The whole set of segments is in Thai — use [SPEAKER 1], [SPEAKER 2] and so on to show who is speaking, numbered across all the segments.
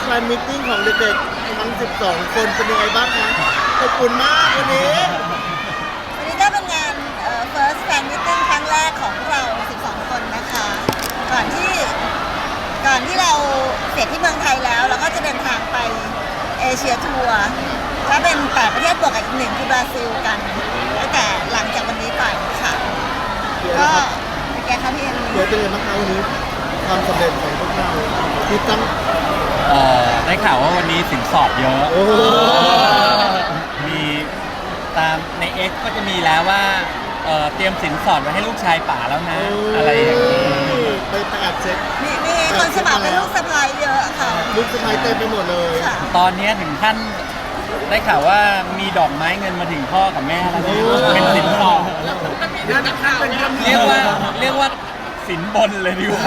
[SPEAKER 1] แฟนมิทติ้งของเด็กๆทั้ง12 คนเป็นยังไงบ้างคะขอบคุณมากวันนี้
[SPEAKER 2] วันนี้ก็เป็นงานfirst fan meeting ครั้งแรกของพวกเรา 12 คนนะคะ ก่อนที่เราเสร็จที่เมืองไทยแล้วเราก็จะเดินทางไปเอเชียทัวร์ก็เป็น8ประเทศบวกกับอีก1คือบราซิลกันตั้งแต่หลังจากวันนี้ไปค่ะ ก็เป็นไงคะพี่เอ็ม
[SPEAKER 1] เดี๋ยวเป็นยังไงบ้างคะวันนี้ความสำเร็จของพวกเราที่ตั้ง
[SPEAKER 3] ได้ข่าวว่าวันนี้สินสอดเยอะ
[SPEAKER 1] โอ้โห
[SPEAKER 3] มีตามใน X ก็จะมีแล้วว่าเตรียมสินสอดไว้ให้ลูกชายป๋าแล้วนะ อะไรอย่างนี้
[SPEAKER 1] ไปแอบเช็ค
[SPEAKER 2] มีคนสมัครเป็นลูกสะใภ้เยอะค่ะ
[SPEAKER 1] ลูกสะพ้ายเต็มไปหมดเลย
[SPEAKER 2] ค่ะ
[SPEAKER 3] ตอนนี้ถึงขั้นได้ข่าวว่ามีดอกไม้เงินมาถึงพ่อกับแม่แล้วนะเป็นสินสอดเรียกว่าสินบนเลยดีกว่า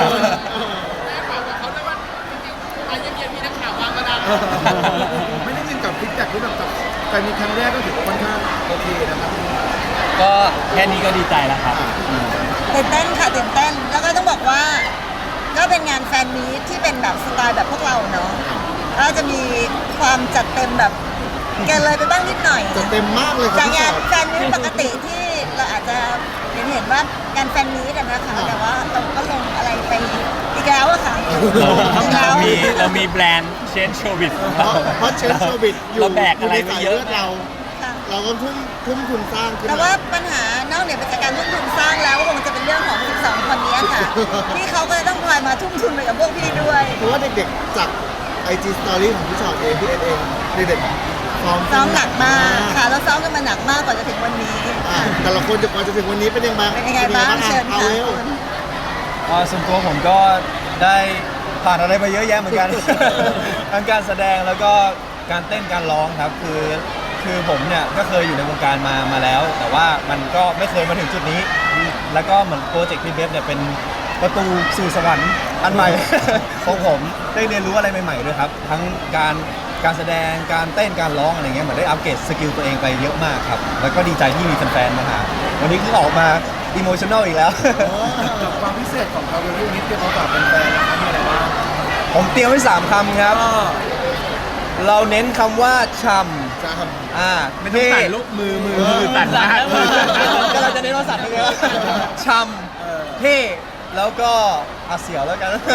[SPEAKER 1] ไม่ได้ยินกับฟีดแบ็กที่แบบกับการมีครั้งแรกก็ถือว่าค่อนข้างโอเคนะครับ
[SPEAKER 3] ก็แค่นี้ก็ดีใจแล้วครับ
[SPEAKER 2] ตื่นเต้นค่ะตื่นเต้นแล้วก็ต้องบอกว่าก็เป็นงานแฟนมีตที่เป็นแบบสไตล์แบบพวกเราเนาะก็จะมีความจัดเต็มแบบเกินเลยไปบ้างนิดหน่อย
[SPEAKER 1] จะเต็มมากเลยครั
[SPEAKER 2] จาก
[SPEAKER 1] บ
[SPEAKER 2] งานแฟนมีตปกติที่เราอาจจะเห็นว่างานแฟนมีตนะคะแต่ว่าเราก็ลงอะไรไปอีกแล้วอะค่ะอีกแล้ว
[SPEAKER 3] เรามีแบรนด์เชนโชวิส
[SPEAKER 1] เพราะเชนโชวิตอยู่
[SPEAKER 3] เราแบกอะไรไปเยอะ
[SPEAKER 1] ในสาลืดเรา
[SPEAKER 2] ค่ะ
[SPEAKER 1] เราก็ทุ่มทุนสร้างขึ้น
[SPEAKER 2] แต่
[SPEAKER 1] มา
[SPEAKER 2] ว่าปัญหานอกเหนือไปจากการทุ่มทุนสร้างแล้วคงจะเป็นเรื่องของ 12 คนนี้ค่ะ ที่เขาก็จะต้องคอยมาทุ่มทุนไปกับพวกพี่ด้วย
[SPEAKER 1] เพราะว่าเด็กๆจาก IG Story ของพี่ชอตเองพี่เอ็นเองเด็กๆซ้อม
[SPEAKER 2] ซ้อมหนักมากค่ะแล้วซ้อมกันมาหนักมากกว่าจะถึงวันนี้
[SPEAKER 1] แต่ละคนจะกว่าจะถึงวันนี้เป็นยังไง
[SPEAKER 2] เป็นยังไงบ้างเชิญ
[SPEAKER 1] เอา
[SPEAKER 2] ค่ะ
[SPEAKER 1] เร็ว
[SPEAKER 4] ส่วนตัวผมก็ได้ผ่านอะไรมาเยอะแยะเหมือนกัน ทั้งการแสดงแล้วก็การเต้นการร้องครับคือผมเนี่ยก็เคยอยู่ในวงการมาแล้ว แต่ว่ามันก็ไม่เคยมาถึงจุดนี้ แล้วก็เหมือนโปรเจกต์พี่เบฟเนี่ยเป็นประตูสู่สวรรค์อันใหม่ ของผมได้เรียนรู้อะไรใหม่ๆด้วยครับทั้งการแสดงการเต้นการร้องอะไรเงี้ยเหมือนได้อัปเกรดสกิลตัวเองไปเยอะมากครับแล้วก็ดีใจที่มีแฟนๆมาหาวันนี้คือออกมาอิโมชั่นแนลอีกแล้ว
[SPEAKER 1] กับความพิเศษของเราเรื่องนี้เตรียมมาฝากแฟนๆนะครับมีอะไรบ้าง
[SPEAKER 4] ผมเตรียมไว้3 คำครับ เราเน้นคำว่าช่ำ
[SPEAKER 1] จะท
[SPEAKER 3] ไม่ต้องสั่นลูกมือสั่นนะ
[SPEAKER 4] ก็เราจะเน้นว่าสัตว์เลยนะช่ำเท่แล้วก็อาเสียวแล้วกัน
[SPEAKER 1] ำ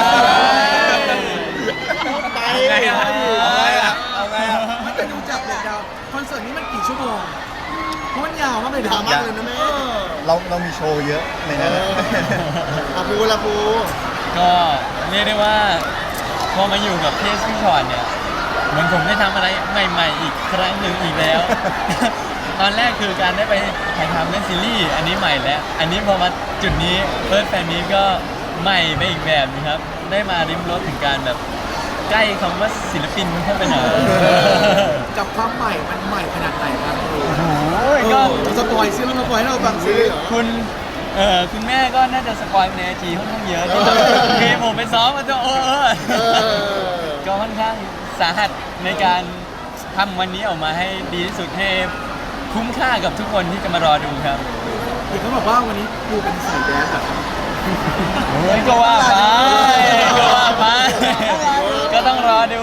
[SPEAKER 1] ไป
[SPEAKER 3] ไงอะ
[SPEAKER 4] เอาไงอ่ะ
[SPEAKER 1] แต่ดูจากเด็กดาวคอนเสิร์ตนี้มันกี่ชั่วโมงเพราะมันยาวมากเลยดาวมากเลยนะแม่
[SPEAKER 4] เรามีโชว์เยอะในนั้นนะ
[SPEAKER 1] อาปูละปู
[SPEAKER 5] ก็เรียกได้ว่าพอมาอยู่กับเพจพี่ชอนเนี่ยเหมือนผมได้ทำอะไรใหม่ๆอีกครั้งหนึ่งอีกแล้ว ตอนแรกคือการได้ไปถ่ายทำเล่นซีรีส์อันนี้ใหม่แล้ว อันนี้พอมาจุดนี้เฟิร์สแฟนนี้ก็ใหม่ไปอีกแบบนึงครับ ได้มาริมรสถึงการแบบใกล้คำว่าศิลปินเข้าไปหน่อย
[SPEAKER 1] กับความใหม่มันใหม่ขนาดไหนครับ
[SPEAKER 5] ก็
[SPEAKER 1] สปอยซิแล้วมาปล่อยให้เราฟังซิ
[SPEAKER 5] คุณแม่ก็น่าจะสปอยในไอจีค่อนข้างเยอะคือผมไปซ้อมมาจะก็ค่อนข้างสาหัสในการทำวันนี้ออกมาให้ดีที่สุดให้คุ้มค่ากับทุกคนที่จะมารอดูครับ
[SPEAKER 1] เห็นเขาบอกว่าวันนี้ปูเป็นสายแดนซ์อะ
[SPEAKER 5] ก็ว่าไปก็ว่าไปก็ต้องรอดู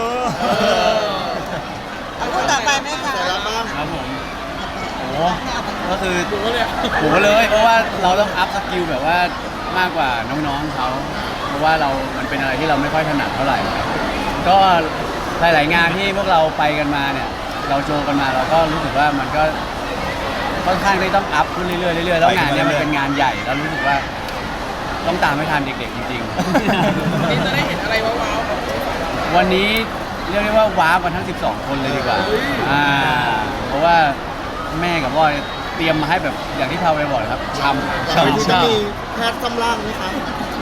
[SPEAKER 2] เอาพูดต่อไปไหมคะ
[SPEAKER 1] แต่ละบ้าง
[SPEAKER 5] ครับผม
[SPEAKER 3] โอ้ก็คือโหเลยเพราะว่าเราต้องอัพสกิลแบบว่ามากกว่าน้องๆเขาเพราะว่ามันเป็นอะไรที่เราไม่ค่อยถนัดเท่าไหร่ครับก็หลายๆงานที่พวกเราไปกันมาเนี่ยเราโชว์กันมาเราก็รู้สึกว่ามันก็ค่อนข้างที่ต้องอัพขึ้นเรื่อยๆเรื่อยๆแล้วงานเนี้ยมันเป็นงานใหญ่แล้วรู้สึกว่าต้องตามให้ทันเด็กๆจริงๆนี่จะได้เห็นอะไรว้าวๆวันนี้เรียกได้ว่าว้าวกันทั้ง12 คนเลยดีกว่าเพราะว่าแม่กับพ่อเตรียมมาให้แบบอย่างที่พาไปบอกเลยครับช่ำ
[SPEAKER 1] แต่ไม่รู้จะมีแพทย์ซ้ำล่างไหมคะ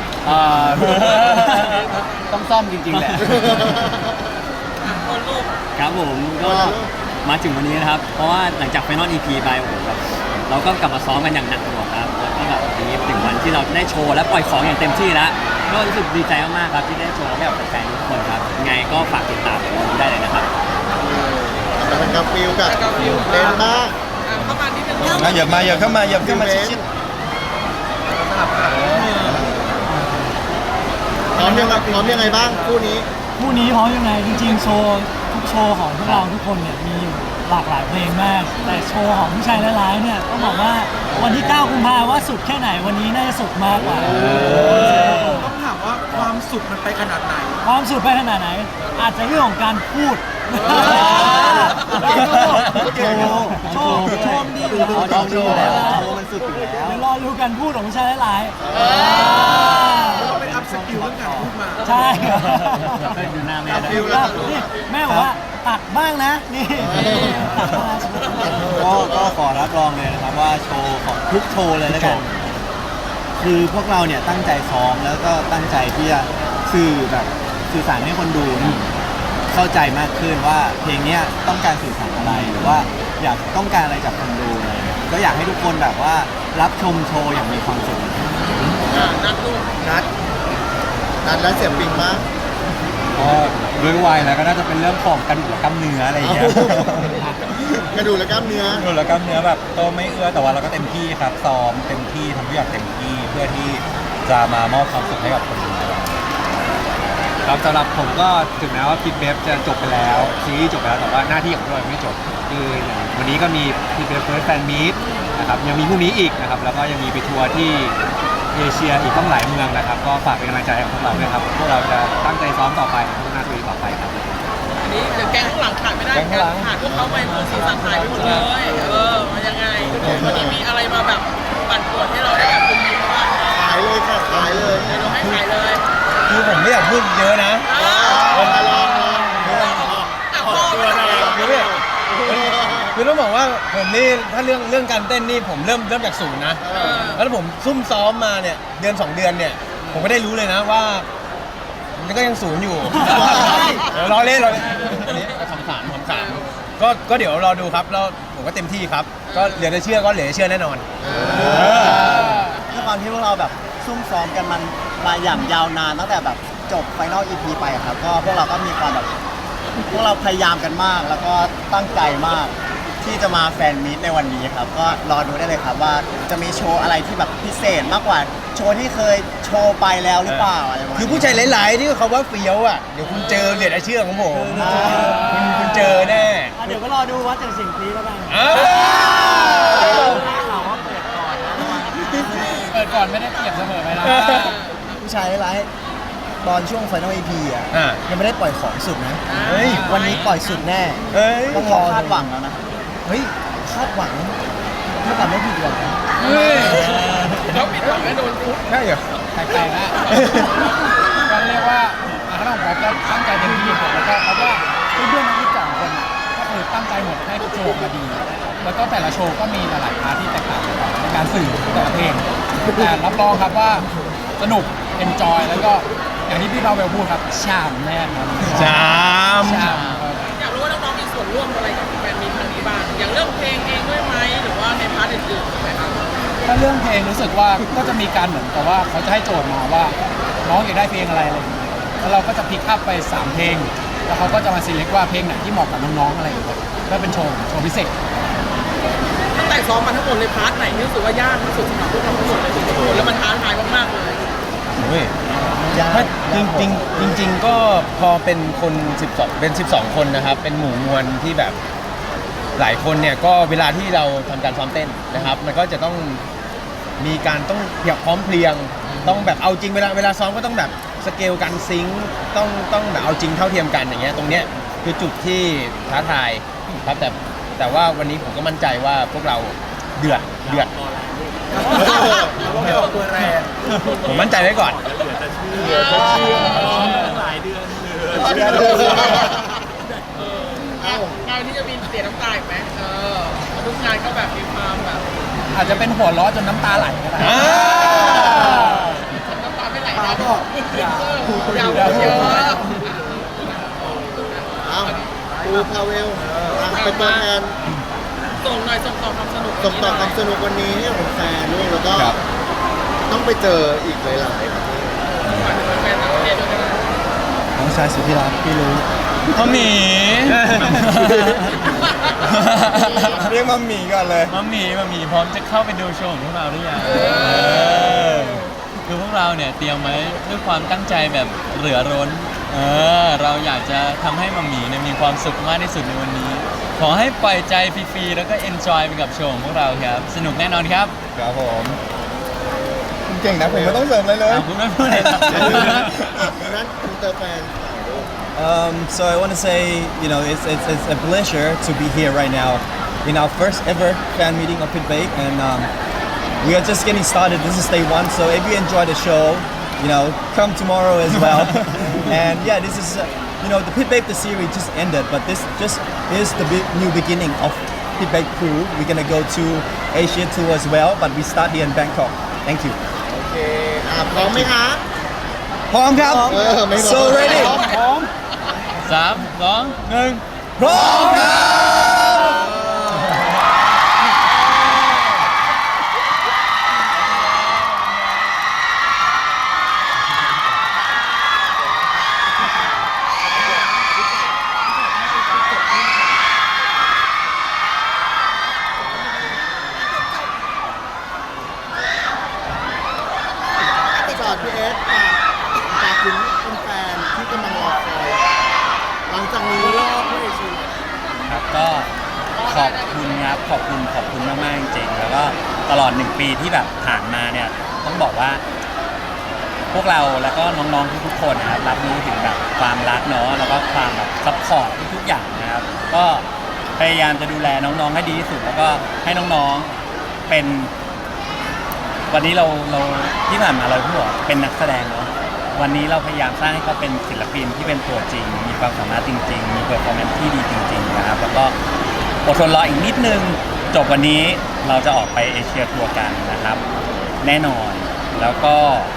[SPEAKER 3] ต้องซ่อมจริงๆแหละ
[SPEAKER 5] ครับผมก็มาถึงวันนี้นะครับ เพราะว่าหลังจากไฟนอล EP ไปโอ้โหแบบเราก็กลับมาซ้อมกันอย่างหนักหน่วงครับแล้วก็แบบวันนี้ถึงวันที่เราได้โชว์และปล่อยของอย่างเต็มที่แล้วก็รู้สึกดีใจมากๆครับที่ได้โชว์ให้กับแฟนๆทุกคนครับยังไงก็ฝากติดตามได้เลยนะครับ
[SPEAKER 1] แต่เป็นกับฟิลกับเล่นมาก
[SPEAKER 4] อย่าเข้ามาชิด
[SPEAKER 1] พร้อมยังไงบ้างคู่นี้
[SPEAKER 6] คู่นี้เพราะยังไงจริงๆโชว์ทุกโชว์ของพวกเราทุกคนเนี่ยมีอยู่หลากหลายเพลงมาก แต่โชว์ของผู้ชายร้ายๆเนี่ยต้องบอกว่าวันที่ 9 กุมภาพันธ์ว่าสุดแค่ไหนวันนี้น่าจะสุดมากกว่า
[SPEAKER 1] ต้องถามว่าความสุขมันไปขนาดไหน
[SPEAKER 6] ความสุดไปขนาดไหน อาจจะเรื่องของการพูดโชว์ดีอยู่แล้ว
[SPEAKER 3] โชว์อยู่แล้วโชว์มันสุดอยู่แล้ว
[SPEAKER 6] เดี๋ยวรอดูกันพูดของผู้ชายร้ายๆ
[SPEAKER 1] เราไปอัพสกิลเรื่องการพูดมา
[SPEAKER 6] ใช่
[SPEAKER 3] ไปดูหน้าแม่ได้
[SPEAKER 6] นี่แม่บอกว่าตัดบ้างนะนี่ตัดบ้าง
[SPEAKER 3] ก็ขอรับรองเลยนะครับว่าโชว์ของทุกโชว์เลยแล้วกันคือพวกเราเนี่ยตั้งใจซ้อมแล้วก็ตั้งใจที่จะสื่อสารให้คนดูเข้าใจมากขึ้นว่าเพลงเนี้ยต้องการสื่อสารอะไรหรือว่าอยากต้องการอะไรจากคนดูอะไรเงี้ยก็อยากให้ทุกคนแบบว่ารับชมโชว์อย่างมีความสุข
[SPEAKER 1] นัดแล้วเสียงปิงมาก
[SPEAKER 3] ก็ด้วยวัยแล้วก็น่าจะเป็นเรื่องของกระดูกและกล้ามเนื้ออะไรอย่างเงี้ย
[SPEAKER 1] กระดูกและกล้ามเนื้อ
[SPEAKER 4] ดูแล้วกล้ามเนื้อแบบก็ไม่เอื้อแต่ว่าเราก็เต็มที่ครับซ้อมเต็มที่ทำทุกอย่างเต็มที่เพื่อที่จะมามอบความสุขให้กับคนดูครับสำหรับผมก็ถึงแม้ว่าพิทเบฟจะจบไปแล้วซีรีส์จบไปแล้วแต่ว่าหน้าที่ของเราไม่จบคืออย่างวันนี้ก็มีพิทเบฟเฟิร์สแฟนมีตนะครับยังมีพรุ่งนี้อีกนะครับแล้วก็ยังมีไปทัวร์ที่เอเชียอีกต้องหลายเมืองนะครับก็ฝากเป็นกำลังใจให้กับพวกเราด้วยครับพวกเราจะตั้งใจซ้อมต่อไปพัฒนาตัวเองต่อไปครับ
[SPEAKER 7] อันนี้เดี๋ยวแกงข้างหลังขาดไม่ได้
[SPEAKER 4] แก๊งข้างหลัง
[SPEAKER 7] ขาดพวกเขาไปหมดสีสันหายไปหมดเลย มันยังไงวันนี้มีอะไรมาแบบปั่นป่วนให้เราได้แบบคุณยิ้มบ้าง
[SPEAKER 1] ขายเลยค่ะขายเลย
[SPEAKER 7] เดี๋ยวเราให้ขายเลย
[SPEAKER 4] คือผมไม่อยากพูดเยอะนะ
[SPEAKER 1] ลอง
[SPEAKER 4] คือต้องบอกว่าผมนี่ถ้าเรื่องการเต้นนี่ผมเริ่มจากศูนย์นะแล้วผมซุ่มซ้อมมาเนี่ยเดือน 2 เดือนเนี่ยผมก็ได้รู้เลยนะว่ามันก็ยังศูนย์อยู่รอเล่นอันนี้คำถามก็เดี๋ยวรอดูครับแล้วผมก็เต็มที่ครับก็เหลือจะเชื่อก็เหลือจะเชื่อแน่นอน
[SPEAKER 8] ด้วยความที่พวกเราแบบซุ่มซ้อมกันมันมาอย่างยาวนานตั้งแต่แบบจบไฟนอล EP ไปอะครับก็พวกเราก็มีความแบบพวกเราพยายามกันมาก แล้วก็ตั้งใจมากที่จะมาแฟนมีตในวันนี้ครับก็รอดูได้เลยครับว่าจะมีโชว์อะไรที่แบบพิเศษมากกว่าโชว์ที่เคยโชว์ไปแล้วหรือเปล่าอะไรประมาณ
[SPEAKER 4] คือ
[SPEAKER 8] นี้
[SPEAKER 4] ผู้ชายหลายๆที่เขาว่าเฟี้ยวอ่ะเดี๋ยวคุณเจอเหลือจะเชื่อของผมคุณเจอแน่
[SPEAKER 6] เดี๋ยวก็รอดูวัดจากสิ่งนี้แล้วกัน
[SPEAKER 4] อ้าว
[SPEAKER 6] ข่าวว่าเปิดก่อนนะ
[SPEAKER 5] เปิดก่อนไม่ได้เปรียบเสมอไปนะ
[SPEAKER 8] ผู้ชายร้ายๆตอนช่วงไฟนอล EP อ่ะ
[SPEAKER 4] อ่ะ
[SPEAKER 8] ยังไม่ได้ปล่อยของสุดนะ
[SPEAKER 4] เฮ้ย
[SPEAKER 8] วันนี้ปล่อยสุดแน่
[SPEAKER 4] เฮ้ย
[SPEAKER 8] ต้องรอคาดหวังแล้วนะเฮ้ยคาดหวังถ้าเกิดไม่ผิดหวัง
[SPEAKER 7] เขาปิดหวังแล้วโดนทุบ
[SPEAKER 4] ใช่เหรอ
[SPEAKER 5] แปลกๆนะก็เรียกว่าคณะของผมก็ตั้งใจเต็มที่ครับแล้วก็เขาว่าเพื่อนๆนักวิจารณ์คนก็คือตั้งใจหมดให้โชว์มาดี แล้วก็แต่ละโชว์ก็มีหลายๆพาร์ทที่แตกต่างกันในการสื่อแต่ละเพลงแต่รับรองครับว่าสนุกเอนจอยแล้วก็อย่างที่พี่เราเวลพูดครับชามแน่นอน
[SPEAKER 4] จาม
[SPEAKER 5] ชามครับ
[SPEAKER 7] อยากรู้ว่าน้องๆมีส่วนร่วมอะไรกับแฟนมีครั้งนี้บ้าง อย่างเรื่องเพลงเองด้วยไหมหรือว่าในพาร์ทอื่นๆไหมครับ
[SPEAKER 5] ถ้าเรื่องเพลงรู้สึกว่าก็จะมีการเหมือนกับว่าเขาจะให้โจทย์มาว่าน้องอยากได้เพลงอะไรอย่างเงี้ยแล้วเราก็จะพิกอัพไป3เพลงแล้วเขาก็จะมาซีเล็กว่าเพลงไหนที่เหมาะกับน้องๆอะไรอย่างเงี้ยก็เป็นโชว์พิเศษ
[SPEAKER 7] ตั้งแต่ซ้อมมาทั้งหมดเลยพาร์ทไหนที่รู้สึกว่ายากที่สุดสำหรับพวกเราทั้งหมดเลยทุกคนแล้วมันท้าทายมากๆเลย
[SPEAKER 4] เฮ้ย
[SPEAKER 8] ยาก
[SPEAKER 4] ถ้าจริงก็พอเป็นคน12เป็น12 คนนะครับ เป็นหมู่มวลที่แบบหลายคนเนี่ยก็เวลาที่เราทำการซ้อมเต้นนะครับ มันก็จะต้องมีการต้องพร้อมเพรียง ต้องแบบเอาจริงเวลาซ้อมก็ต้องแบบสเกลการซิงค์ต้องแบบเอาจริงเท่าเทียมกันอย่างเงี้ยตรงเนี้ยคือจุดที่ท้าทายครับแต่ว่าวันนี้ผมก็มั่นใจว่าพวกเราเดือด
[SPEAKER 1] ไม่ออกตัวแรง
[SPEAKER 4] ผมมั่นใจไว้ก่อน
[SPEAKER 7] งานที่จะมีเสียน้ำตาอีกไหมทุกงานก็แบบมีความแบบ
[SPEAKER 5] อาจจะเป็นหัวล้อจนน้ำตาไหลก็ได้
[SPEAKER 7] น้ำตาไม่ไหล
[SPEAKER 1] ตา
[SPEAKER 7] นะ
[SPEAKER 1] บอก
[SPEAKER 7] ยาวเยอะ
[SPEAKER 1] เอาปูพาเวลเป็นตัวแทน
[SPEAKER 7] ส่งหน่อยส่งต่อความสนุก
[SPEAKER 1] ส่งต่อความสนุกวันนี้ให้กับแฟนด้วยแล้วก็
[SPEAKER 4] ครับ
[SPEAKER 1] ต้องไปเจออีกหลายๆประเทศ
[SPEAKER 7] แฟนต่างประเทศด้วยนะ
[SPEAKER 8] น้องชายสุดที่รักพี่รู้
[SPEAKER 5] เขาหมี
[SPEAKER 4] เรียกมัมมี่ก่อนเลย
[SPEAKER 5] มาหมีพร้อมจะเข้าไปดูโชว์ของพวกเราหรือยังคือพวกเราเนี่ยเตรียมไว้ด้วยความตั้งใจแบบเหลือร้นเราอยากจะทำให้มัมหมี่เนี่ยมีความสุขมากที่สุดในวันนี้ ขอให้ปล่อยใจฟรีๆแล้วก็ enjoy ไปกับโชว์ของพวกเราครับ สนุกแน่นอนครับ
[SPEAKER 4] ครับผมคุณเก่งนะผมไม่ต้องเสริมอะไรเลย
[SPEAKER 5] คุณไม่พูดเลยครับ
[SPEAKER 1] นั้นคุณเตอร์แฟน
[SPEAKER 4] So I want to say, it's a pleasure to be here right now in our first ever fan meeting of Pit Bake, and we are just getting started. This is day one, so if you enjoy the show, come tomorrow as well. And yeah, this is, the Pit Bake the series just ended, but this just is the new beginning of Pit Bake Crew. We're gonna go to Asia tour as well, but we start here in Bangkok. Thank you.
[SPEAKER 1] โอเคพร้อมไหมคะ
[SPEAKER 4] พร้อมครับ
[SPEAKER 1] ไม่พร้อม
[SPEAKER 4] So ready พร้อม
[SPEAKER 5] 3 2 1
[SPEAKER 4] พร้อมครับ
[SPEAKER 1] จากพี่เอสจากถึงแฟนๆที่กำลังรอคอยหลังจากนี้รอบผู้เอเชีย
[SPEAKER 3] ครับก็ขอบคุณครับขอบคุณมากๆจริงๆแล้วก็ตลอด1 ปีที่แบบผ่านมาเนี่ยต้องบอกว่า พวกเราแล้วก็น้องๆทุกๆคนนะครับรับรู้ถึงแบบความรักเนาะแล้วก็ความแบบซัพพอร์ตทุกๆอย่างนะครับก็พยายามจะดูแลน้องๆให้ดีที่สุดแล้วก็ให้น้องๆเป็น วันนี้เราที่ผ่านมาเราพูดว่าเป็นนักแสดงเนาะวันนี้เราพยายามสร้างให้เขาเป็นศิลปินที่เป็นตัวจริงมีความสามารถจริงๆมีเพอร์ฟอร์แมนซ์ที่ดีจริงๆนะครับแล้วก็อดทนรออีกนิดนึงจบวันนี้เราจะออกไปเอเชียทัวร์กันนะครับแน่นอนแล้วก็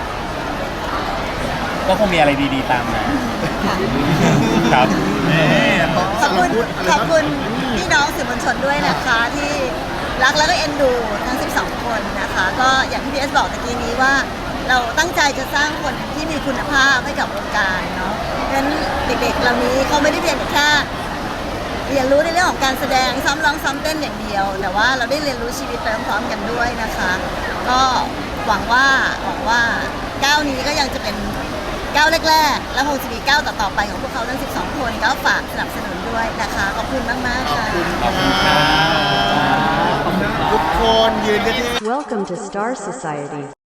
[SPEAKER 3] คงมีอะไรดีๆตามมาครับ
[SPEAKER 2] ขอบคุณพี่น้องสื่อมวลชนด้วยนะคะที่รักแล้วก็เอ็นดูทั้ง 12 คนนะคะ ก็อย่างที่พี่เอสบอกตะกี้นี้ว่าเราตั้งใจจะสร้างคนที่มีคุณภาพให้กับวงการเนาะเพราะฉะนั้นเด็กๆเหล่านี้เขาไม่ได้เพียงแค่เรียนรู้ในเรื่องของการแสดงซ้อมร้องซ้อมเต้นอย่างเดียว แต่ว่าเราได้เรียนรู้ชีวิตไปพร้อมๆกันด้วยนะคะ ก็หวังว่าก้าวนี้ก็ยังจะเป็นก้าวแรกๆ แล้วคงจะมีก้าวต่อๆไปของพวกเขาทั้ง 12 คนก็ฝากสนับสนุนด้วยนะคะ ขอบคุณมากๆค่ะ
[SPEAKER 3] ขอบคุณครับ
[SPEAKER 1] ทุกคนยืนกันที่
[SPEAKER 9] Welcome to Star Society.